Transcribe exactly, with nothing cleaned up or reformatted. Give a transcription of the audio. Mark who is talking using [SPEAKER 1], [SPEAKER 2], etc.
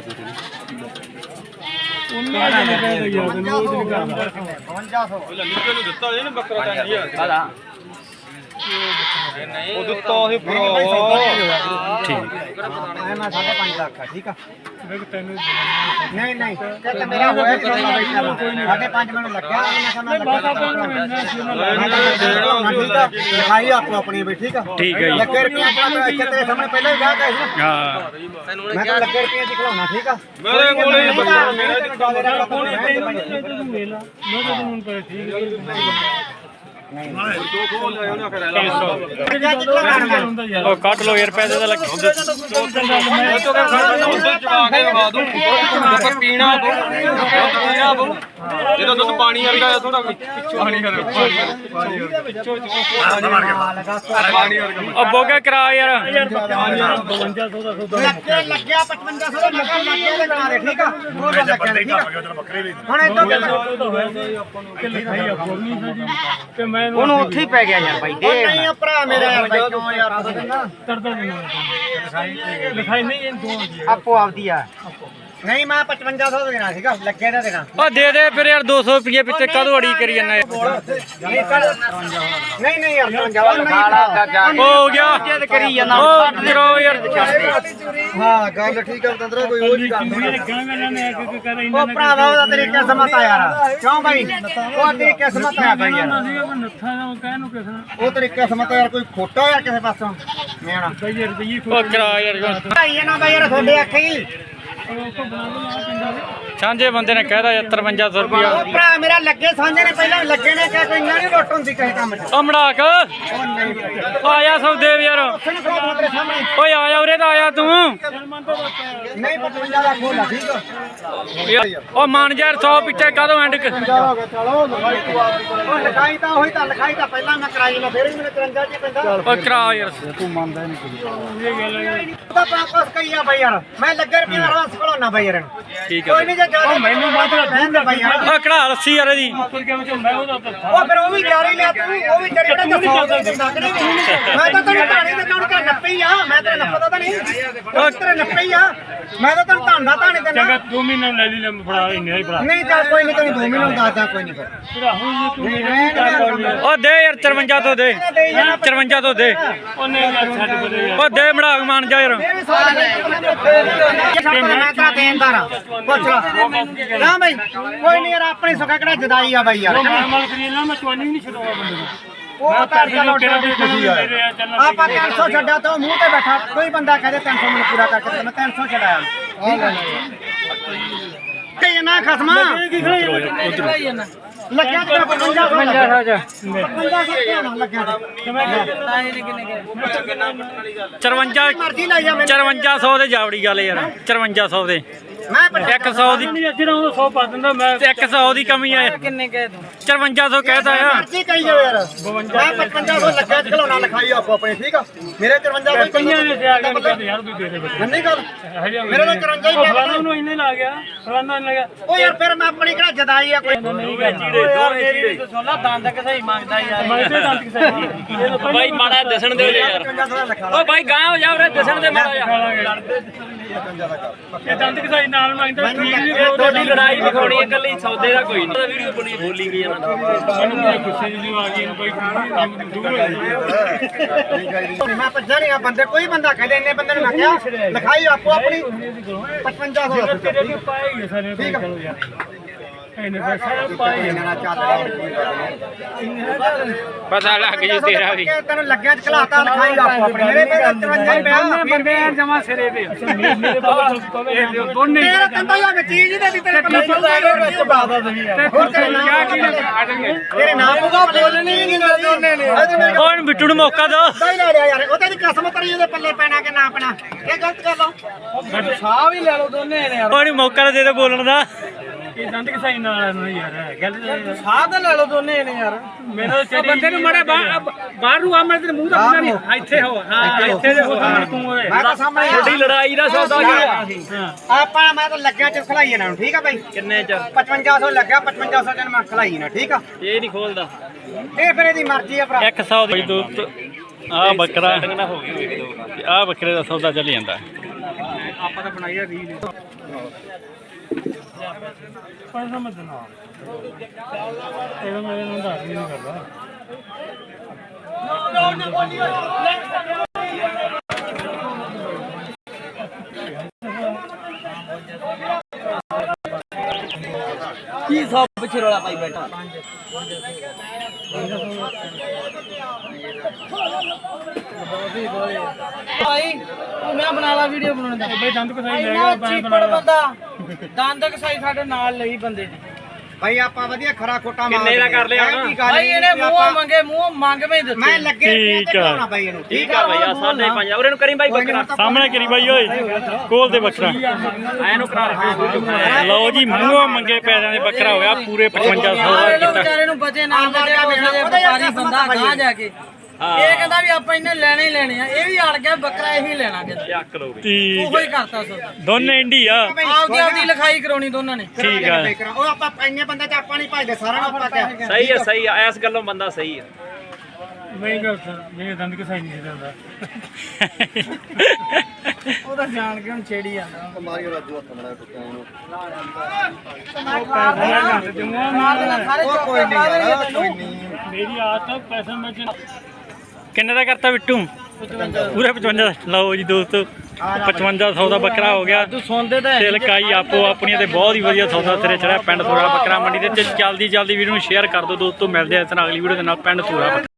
[SPEAKER 1] ਉਹ ਦਿੱਤਾ ਸੀ ਭਰਾ
[SPEAKER 2] ਠੀਕ
[SPEAKER 3] ਮੈਂ ਸਾਢੇ ਪੰਜ ਲੱਖ ਆ ਠੀਕ ਆ ਨਹੀਂ ਨਹੀਂ ਕਹਿੰਦਾ ਮੇਰਾ ਹੋਇਆ ਕਿ ਸਾਢੇ ਪੰਜ ਮੈਨੂੰ ਲੱਗਿਆ ਮੈਂ ਲਿਖਾਈ ਆਪੋ ਆਪਣੀ ਵੀ ਠੀਕ ਆ
[SPEAKER 2] ਠੀਕ ਹੈ ਜੀ
[SPEAKER 3] ਲੱਗੇ ਰੁਪਏ ਆਪਣਾ ਇੱਥੇ ਤੇਰੇ ਸਾਹਮਣੇ ਪਹਿਲਾਂ ਹੀ ਵਿਆਹ ਕਰਿਆ ਸੀ ਨਾ
[SPEAKER 2] ਹਾਂ
[SPEAKER 3] ਮੈਂ ਤਾਂ ਲੱਗੇ ਰੁਪਏ ਦੀ ਖਿਲਾਉਣਾ ਠੀਕ ਆ
[SPEAKER 1] ਮੇਰੇ ਕੋਲੇ
[SPEAKER 2] ਉਹ ਕੱਟ ਲੋ ਯਾਰ ਪੈਸੇ ਦਾ ਲੱਗ
[SPEAKER 1] ਪੀਣਾ ਜਦੋਂ ਦੁੱਧ ਪਾਣੀ ਵਰਗਾ ਥੋੜਾ ਪਾਣੀ ਵਰਗਾ
[SPEAKER 2] ਉਹ ਬੋਗਾ ਕਰਾ ਯਾਰ
[SPEAKER 3] ਲੱਗੇ ਲੱਗਿਆ ਪਚਵੰਜਾ ਸੌ ਦਾ ਲੱਗਾ ਲੱਗਿਆ ਦੇ ਬਣਾ ਦੇ ਠੀਕ ਆ ਉਹ ਲੱਗਿਆ ਠੀਕ ਆ ਹੁਣ ਇਦਾਂ
[SPEAKER 4] ਉਹਨੂੰ ਉੱਥੇ ਹੀ ਪੈ ਗਿਆ ਯਾਰ ਬਾਈ ਦੇ
[SPEAKER 3] ਨਹੀਂ ਆ ਭਰਾ ਮੇਰਾ ਯਾਰ ਬਾਈ ਕਿਉਂ ਯਾਰ
[SPEAKER 4] ਲਿਖਾਈ ਨਹੀਂ ਇਹ ਦੋ ਆਪੋ ਆਪਦੀ ਆ
[SPEAKER 3] ਨਹੀਂ ਮੈਂ ਪਚਵੰਜਾ ਸੌ ਦਾ ਦੇਣਾ ਸੀਗਾ ਲੱਗੇ ਦਾ ਦੇਣਾ
[SPEAKER 2] ਉਹ ਦੇ ਦੇ ਫਿਰ ਯਾਰ ਦੋ ਸੌ ਰੁਪਏ ਪਿੱਛੇ ਕਦੋਂ ਅੜੀ ਕਰੀ ਜਾਂਦਾ
[SPEAKER 3] ਨਹੀਂ ਨਹੀਂ ਯਾਰ ਪਚਵੰਜਾ
[SPEAKER 2] ਹੋ ਗਿਆ
[SPEAKER 4] ਕਰੀ ਜਾਂਦਾ
[SPEAKER 2] ਉਹ ਕਰੋ ਯਾਰ
[SPEAKER 3] ਹਾਂ ਗੱਲ ਠੀਕ ਹੈ ਤੰਦਰਾ ਕੋਈ ਉਹ ਨਹੀਂ ਕਰਦਾ ਉਹ ਭਰਾਵਾ ਉਹਦਾ ਤੇਰੀ ਕਿਸਮਤ ਆ ਯਾਰ ਕਿਉਂ ਬਾਈ ਉਹ ਤੇਰੀ ਕਿਸਮਤ ਆ ਬਾਈ ਯਾਰ ਉਹ ਤੇਰੀ ਕਿਸਮਤ ਯਾਰ ਕੋਈ ਖੋਟਾ ਯਾਰ ਕਿਸੇ ਪਾਸੋਂ ਮੇਣਾ
[SPEAKER 2] ਉਹ ਕਰਾ ਯਾਰ
[SPEAKER 3] ਭਾਈ ਨਾ ਬਾਈ ਯਾਰ ਤੁਹਾਡੇ ਅੱਖੀ
[SPEAKER 2] ਸਾਂਝੇ ਬੰਦੇ ਨੇ ਕਹਿਦਾ ਯਾਰ ਤਰਵੰਜਾ ਸੌ ਰੁਪਇਆ
[SPEAKER 3] ਉਹ ਭਰਾ ਮੇਰਾ ਲੱਗੇ ਸਾਂਝੇ ਨੇ ਪਹਿਲਾਂ ਲੱਗੇ ਨੇ ਕਿ ਕੋਈ ਇੰਨਾ ਨਹੀਂ ਲੁੱਟ ਹੁੰਦੀ ਕਿਸੇ ਕੰਮ 'ਚ
[SPEAKER 2] ਉਹ ਮੜਾਕ ਆਇਆ ਸੌਦੇ ਯਾਰ ਓਏ ਆਇਆ ਉਰੇ ਤਾਂ ਆਇਆ ਤੂੰ
[SPEAKER 3] ਨਹੀਂ ਪਚਵੰਜਾ ਦਾ ਖੋਲਾ ਠੀਕ ਆ
[SPEAKER 2] ਉਹ ਮਨ ਯਾਰ ਸੌ ਪਿੱਛੇ ਕਦੋਂ ਐਂਡ
[SPEAKER 3] ਉਹ ਲਿਖਾਈ ਤਾਂ ਉਹੀ ਤਾਂ ਲਿਖਾਈ ਤਾਂ ਪਹਿਲਾਂ ਮੈਂ ਕਰਾਈ ਨਾ ਫਿਰ ਵੀ ਮੈਨੂੰ ਤਿਰੰਜਾ ਚ ਪੈਂਦਾ
[SPEAKER 2] ਉਹ ਕਰਾ ਯਾਰ
[SPEAKER 3] ਤੂੰ ਮੰਨਦਾ ਨਹੀਂ ਉਹਦਾ ਪਾਪਸ ਕਈ ਆ ਬਾਈ ਯਾਰ ਮੈਂ ਲੱਗੇ ਰੁਪਏ ਦਾ ਰਵਾਸ ਖੜਾਉਣਾ ਬਾਈ ਯਾਰ
[SPEAKER 2] ਠੀਕ
[SPEAKER 3] ਕੋਈ ਨਹੀਂ ਜੇ ਜ਼ਿਆਦਾ ਮੈਨੂੰ ਬਾਤ ਰਹਿੰਦਾ ਬਾਈ ਯਾਰ
[SPEAKER 2] ਉਹ ਕਢਾ ਲੱਸੀ ਯਾਰ ਇਹਦੀ
[SPEAKER 3] ਉਹ ਫਿਰ ਉਹ ਵੀ ਜਾਰੀ ਲਿਆ ਤੂੰ ਉਹ ਵੀ ਤੇਰੇ ਕਿਹੜਾ ਦੱਸੋ ਮੈਂ ਤਾਂ ਤੈਨੂੰ ਧਾਣੇ ਤੇ ਕੌਣ ਕਰ ਨੱਪੇ ਹੀ ਆ ਮੈਂ ਤੇਰੇ ਨੱਪਦਾ ਤਾਂ ਨਹੀਂ ਉਹ ਤੇਰੇ ਨੱਪੇ ਹੀ ਆ ਮੈਂ ਤਾਂ ਤੈਨੂੰ ਧਾਂਦਾ ਧਾਣੇ ਤੇ ਨਾ
[SPEAKER 2] ਦੋ ਮਹੀਨੇ ਲੈ ਲਈ ਫੜਾ ਇੰਨੇ ਹੀ ਫੜਾ
[SPEAKER 3] ਨਹੀਂ ਚੱਲ ਕੋਈ ਨਹੀਂ ਤੈਨੂੰ ਦੋ ਮਹੀਨੇ ਦੱਸਦਾ ਕੋਈ ਨਹੀਂ ਫਿਰ
[SPEAKER 2] ਉਹ ਦੇ ਯਾਰ ਚਰਵੰਜਾ ਤੋਂ ਦੇ ਚਰਵੰਜਾ ਤੋਂ ਦੇ ਉਹ ਦੇ ਮੜਾਕ ਮਾਨ ਜਾ ਯਾਰ
[SPEAKER 3] ਮੈਂ ਤੇਰਾ ਦੇਣਦਾਰ ਆ ਪੁੱਛ ਲਾ ਨਾ ਬਾਈ ਕੋਈ ਨਹੀਂ ਯਾਰ ਆਪਣੀ ਸੁੱਕਾ ਕਿਹੜਾ ਜਦਾਈ ਆ ਬਾਈ ਯਾਰ ਉਹ ਤਾਂ ਚਲੋ ਆਪਾਂ ਤਿੰਨ ਸੌ ਛੱਡਿਆ ਤਾਂ ਮੂੰਹ ਤੇ ਬੈਠਾ ਕੋਈ ਬੰਦਾ ਕਹਦੇ ਤਿੰਨ ਸੌ ਮੈਨੂੰ ਪੂਰਾ ਕਰਕੇ ਤੇ ਮੈਂ ਤਿੰਨ ਸੌ ਛੱਡਾਇਆ ਠੀਕ ਹੈ ਤੇ ਨਾ ਖਸਮਾ ਲੱਗਿਆ ਤੇ ਪਚਵੰਜਾ ਸੌ ਲੱਗਿਆ ਪਚਵੰਜਾ ਸੌ ਲੱਗਿਆ
[SPEAKER 2] ਚਰਵੰਜਾ
[SPEAKER 3] ਮਰਜ਼ੀ ਲਾਈ ਜਾ ਮੈਨੂੰ
[SPEAKER 2] ਚਰਵੰਜਾ ਸੌ ਦੇ ਜਾਵੜੀ ਗੱਲ ਯਾਰ ਚਰਵੰਜਾ ਸੌ ਦੇ
[SPEAKER 3] ਮੈਂ
[SPEAKER 2] ਇੱਕ ਸੌ ਦੀ ਸੌ ਪਾ ਦਿੰਦਾ ਮੈਂ ਇੱਕ ਸੌ ਦੀ ਕਮੀ ਆ
[SPEAKER 4] ਕਿੰਨੇ ਕਹਿ ਦੂੰ
[SPEAKER 3] ਚਰਵੰਜਾ ਸੌ ਕਹਿਤਾ ਆ ਮਰਜ਼ੀ ਕਹੀ ਜਾਓ ਯਾਰ ਮੈਂ ਪਚਵੰਜਾ ਸੌ ਲੱਗਿਆ ਖਿਲਾਉਣਾ ਲਿਖਾਈ ਆਪੋ ਆਪਣੇ ਠੀਕ ਆ ਮੇਰੇ ਚਰਵੰਜਾ ਸੌ ਕਈਆਂ ਨੇ ਯਾਰ ਤੂੰ ਦੇ ਦੇ ਨਹੀਂ ਗੱਲ ਮੇਰੇ ਨਾਲ ਚਰਵੰਜਾ ਹੀ ਫਲਾਣਾ ਨੂੰ ਇੰਨੇ ਲਾ ਗਿਆ ਫਲਾਣਾ ਨੇ ਲੱਗਿਆ ਉਹ ਯਾਰ ਫਿਰ ਮੈਂ ਆਪਣੀ ਕਿਹੜਾ ਜਦਾਈ ਆ ਕੋਈ ਨਹੀਂ
[SPEAKER 4] ਮੇਰੀ ਸੋਲਾ ਦੰਦ ਕਿਸਾਈ ਮੰਗਦਾ ਯਾਰ ਮੰਗਦੇ ਦੰਦ ਕਿਸਾਈ ਬਾਈ ਮਾੜਾ ਦੱਸਣ ਦੇ ਯਾਰ ਓ ਬਾਈ ਗਾਂ ਹੋ ਜਾ ਉਰੇ ਦੱਸਣ ਦੇ ਮਾੜਾ ਯਾਰ ਇਹ ਦੰਦ ਕਿਸਾਈ ਨਾਲ ਮੰਗਦਾ ਠੀਕ ਨਹੀਂ ਤੁਹਾਡੀ ਲੜਾਈ ਵਿਖਾਉਣੀ ਹੈ ਇਕੱਲੀ ਸੌਦੇ ਦਾ ਕੋਈ ਨਹੀਂ ਵੀਡੀਓ ਬਣੀ ਬੋਲੀ ਗਈ ਇਹਨਾਂ ਗੁੱਸੇ ਜਿਹੀ ਆ ਗਈ ਬਾਈ ਮੈਂ ਭੱਜਾ ਨਹੀਂ ਆ ਬੰਦੇ ਕੋਈ ਬੰਦਾ ਕਹਦੇ ਇੰਨੇ ਬੰਦੇ ਨੂੰ ਮੈਂ ਕਿਹਾ ਲਿਖਾਈ ਆਪੋ ਆਪਣੀ ਪਚਵੰਜਾ ਸੌ ਠੀਕ ਆ
[SPEAKER 2] ਪਤਾ ਲੱਗ ਜੀ ਤੇਰਾ ਵੀ
[SPEAKER 3] ਤੈਨੂੰ ਲੱਗਿਆ ਚ ਖਲਾਤਾ ਲਿਖਾਈ ਆਪੋ ਆਪਣੀ ਮੇਰੇ ਮੇਰੇ ਚਰਵੰਜਾ ਹੀ ਪਿਆ
[SPEAKER 4] ਬੰਦੇ ਜਮਾ ਸਿਰੇ ਤੇ ਦੋਨੇ
[SPEAKER 3] ਤੇਰਾ ਤੰਦਾ ਯਾ ਵਿੱਚ ਚੀਜ਼ ਦੇ ਤੇਰੇ ਪੱਲੇ ਵਿੱਚ ਬਾਦਾ ਦਵੀ ਹੋਰ ਤੇਰੇ ਨਾਮ ਕੀ ਤੇਰੇ ਨਾਮ ਉਹਦਾ ਬੋਲਣੀ ਨਹੀਂ ਦੋਨੇ ਨੇ
[SPEAKER 2] ਕੌਣ ਬਿੱਟੂ ਨੂੰ ਮੌਕਾ ਦੋ
[SPEAKER 3] ਸਹੀ ਲੈ ਲਿਆ ਯਾਰ ਉਹ ਤੇ ਕਿਸਮਤ ਰਹੀ ਉਹਦੇ ਪੱਲੇ ਪੈਣਾ ਕਿ ਨਾ ਪੈਣਾ ਇਹ ਗਲਤ ਗੱਲ ਆ
[SPEAKER 4] ਸਾਹ ਵੀ ਲੈ ਲਓ ਦੋਨੇ ਨੇ ਯਾਰ
[SPEAKER 2] ਕੌਣ ਮੌਕਾ ਦੇ ਦੇ ਬੋਲਣ ਦਾ
[SPEAKER 4] ਇਹ ਦੰਦ ਕਿਸਾਈ ਨਾਲ ਨੂੰ ਯਾਰ ਗੱਲ ਸਾਹ ਤਾਂ ਲੈ ਲਓ ਦੋਨੇ ਨੇ ਯਾਰ ਮੇਰਾ ਬੰਦੇ ਨੂੰ ਮੜੇ ਬਾਹਰ ਨੂੰ ਆ ਮੈਂ ਤੇਰੇ ਮੂੰਹ ਦਾ ਪਤਾ ਨਹੀਂ ਇੱਥੇ ਹੋ ਹਾਂ ਇੱਥੇ ਦੇ ਹੋ ਸਾਹਮਣੇ ਤੂੰ ਹੋਏ
[SPEAKER 3] ਮੈਂ ਤਾਂ ਸਾਹਮਣੇ
[SPEAKER 4] ਤੁਹਾਡੀ ਲੜਾਈ ਦਾ ਸੌਦਾ ਹੋਇਆ
[SPEAKER 3] ਆਪਾਂ ਮੈਂ ਤਾਂ ਲੱਗਿਆ ਚ ਖਲਾਈ ਇਹਨਾਂ ਨੂੰ ਠੀਕ ਆ ਬਾਈ
[SPEAKER 4] ਕਿੰਨੇ ਚ
[SPEAKER 3] ਪਚਵੰਜਾ ਸੌ ਲੱਗਿਆ ਪਚਵੰਜਾ ਸੌ ਚ ਮੈਂ ਖਲਾਈ ਨਾ ਠੀਕ ਆ
[SPEAKER 4] ਇਹ ਨਹੀਂ ਖੋਲਦਾ
[SPEAKER 3] ਇਹ ਫਿਰ ਇਹਦੀ ਮਰਜ਼ੀ ਆ ਭਰਾ
[SPEAKER 2] ਇੱਕ ਸੌ ਦੀ ਦੋ ਆ ਬੱਕਰਾ ਆ ਬੱਕਰੇ ਦਾ ਸੌਦਾ ਚੱਲ ਜਾਂਦਾ ਆਪਾਂ ਤਾਂ ਬਣਾਈ ਆ ਰੀਲ
[SPEAKER 3] ਪਰ ਸਮਝ ਨਾ ਇਹਦਾ ਮੇਰੇ ਨੂੰ ਦੱਸ ਨਹੀਂ ਕਰਦਾ
[SPEAKER 4] ਕੀ ਸਭ ਪਿੱਛੇ ਰੌਲਾ ਪਾਈ ਬੈਠਾ
[SPEAKER 5] ਭਾਈ ਤੂੰ ਮੈਂ ਬਣਾ ਲਾ ਵੀਡੀਓ ਬਣਾਉਣ ਦਾ
[SPEAKER 3] ਬਈ ਦੰਦ ਕਸਾਈ ਲੈ
[SPEAKER 5] ਇੰਨਾ ਚੀਪੜ ਬੰਦਾ ਦੰਦ ਕਸਾਈ ਸਾਡੇ ਨਾਲ ਲਈ ਬੰਦੇ ਦੀ
[SPEAKER 3] ਭਾਈ ਆਪਾਂ ਵਧੀਆ ਖਰਾ ਖੋਟਾ
[SPEAKER 4] ਕਿੰਨੇ ਦਾ ਕਰ ਲਿਆ ਹੁਣ?
[SPEAKER 5] ਭਾਈ ਇਹਨੇ ਮੂੰਹ ਮੰਗੇ ਮੂੰਹ ਮੰਗ ਮੈਂ ਦਿੱਤੇ
[SPEAKER 3] ਮੈਂ ਲੱਗੇ
[SPEAKER 2] ਠੀਕ ਆ
[SPEAKER 3] ਭਾਈ ਇਹਨੂੰ
[SPEAKER 4] ਠੀਕ ਆ ਬਈ ਆ ਸਾਢੇ ਪੰਜ ਉਰੇ ਨੂੰ ਕਰੀ ਬਾਈ ਬੱਕਰਾ
[SPEAKER 2] ਸਾਹਮਣੇ ਕਰੀ ਬਾਈ ਓਏ ਕੋਲ ਦੇ ਬੱਕਰਾ
[SPEAKER 4] ਐ ਨੂੰ ਕਰਾ
[SPEAKER 2] ਲਓ ਜੀ ਮੂੰਹੋਂ ਮੰਗੇ ਪੈਸਿਆਂ ਦੇ ਬੱਕਰਾ ਹੋਇਆ ਪੂਰੇ ਪਚਵੰਜਾ ਸੌ ਦਾ
[SPEAKER 5] ਸਾਰੇ ਲੋਕ
[SPEAKER 2] ਕੀਤਾ
[SPEAKER 5] ਵਿਚਾਰੇ ਨੂੰ ਬਚੇ ਨਾ ਬਚੇ ਉਸ ਦੇ ਵਪਾਰੀ ਬੰਦਾ ਗਾਂ ਜਾ ਕੇ ਇਹ ਕਹਿੰਦਾ ਵੀ ਆਪਾਂ ਇਹਨੇ ਲੈਣੇ ਹੀ ਲੈਣੇ ਆ ਇਹ ਵੀ ਅੜ ਗਿਆ ਬੱਕਰਾ ਇਹੀ ਲੈਣਾ ਕਹਿੰਦਾ
[SPEAKER 4] ਚੱਕ ਲੋ ਬਈ
[SPEAKER 2] ਠੀਕ
[SPEAKER 5] ਉਹੋ ਹੀ ਕਰਤਾ ਸੋ
[SPEAKER 2] ਦੋਨੇ ਇੰਡੀ ਆ
[SPEAKER 5] ਆਪਦੀ ਆਪਦੀ ਲਿਖਾਈ ਕਰਾਉਣੀ ਦੋਨਾਂ ਨੇ
[SPEAKER 2] ਠੀਕ ਆ
[SPEAKER 3] ਉਹ ਆਪਾਂ ਇੰਨੇ ਬੰਦੇ ਚ ਆਪਾਂ ਨਹੀਂ ਭਜਦੇ ਸਾਰਾ ਨੂੰ ਪਤਾ ਹੈ
[SPEAKER 4] ਸਹੀ ਆ ਸਹੀ ਆ ਇਸ ਗੱਲੋਂ ਬੰਦਾ ਸਹੀ ਆ
[SPEAKER 3] ਮੈਂ ਗੱਲ ਮੇਰੇ ਦੰਦ ਕਸਾਈ ਨਹੀਂ ਦਿੰਦਾ
[SPEAKER 5] ਉਹ ਤਾਂ ਜਾਣ ਕੇ ਹੁਣ ਛੇੜੀ ਜਾਂਦਾ
[SPEAKER 3] ਮਾਰੀ ਰਾਜੂ ਹੱਥ ਮੜਾ ਟੁੱਟਿਆ ਇਹਨੂੰ
[SPEAKER 5] ਮਾਰ ਦੇਣਾ ਸਾਰੇ
[SPEAKER 3] ਉਹ
[SPEAKER 5] ਚੌਕੇ
[SPEAKER 3] ਕੋਈ
[SPEAKER 5] ਪਾ
[SPEAKER 3] ਨਹੀਂ
[SPEAKER 5] ਦੇਣਗੇ
[SPEAKER 3] ਯਾਰ
[SPEAKER 5] ਤੈਨੂੰ
[SPEAKER 3] ਕੋਈ ਨਹੀਂ
[SPEAKER 2] ਮੇਰੀ ਆਦਤ ਪੈਸਾ ਮੈਂ ਕਿੰਨੇ ਦਾ ਕਰਤਾ ਬਿੱਟੂ ਪੂਰੇ ਪਚਵੰਜਾ ਲਓ ਜੀ ਦੋਸਤੋ ਪਚਵੰਜਾ ਸੌ ਦਾ ਬੱਕਰਾ ਹੋ ਗਿਆ
[SPEAKER 5] ਤੂੰ ਸੁਣਦੇ ਤਾਂ
[SPEAKER 2] ਤੇ ਲਕਾਈ ਆਪੋ ਆਪਣੀਆਂ ਤੇ ਬਹੁਤ ਹੀ ਵਧੀਆ ਸੌਦਾ ਸਿਰੇ ਚੜਿਆ ਪਿੰਡ ਥੋੜਾ ਬੱਕਰਾ ਮੰਡੀ ਦੇ ਤੇ ਜਲਦੀ ਜਲਦੀ ਵੀਡੀਓ ਨੂੰ ਸ਼ੇਅਰ ਕਰ ਦਿਓ ਦੋਸਤੋ ਮਿਲਦੇ ਆ ਇਸ ਨਾਲ ਅਗਲੀ ਵੀਡੀਓ ਦੇ ਨਾਲ ਪਿੰਡ ਥੋੜਾ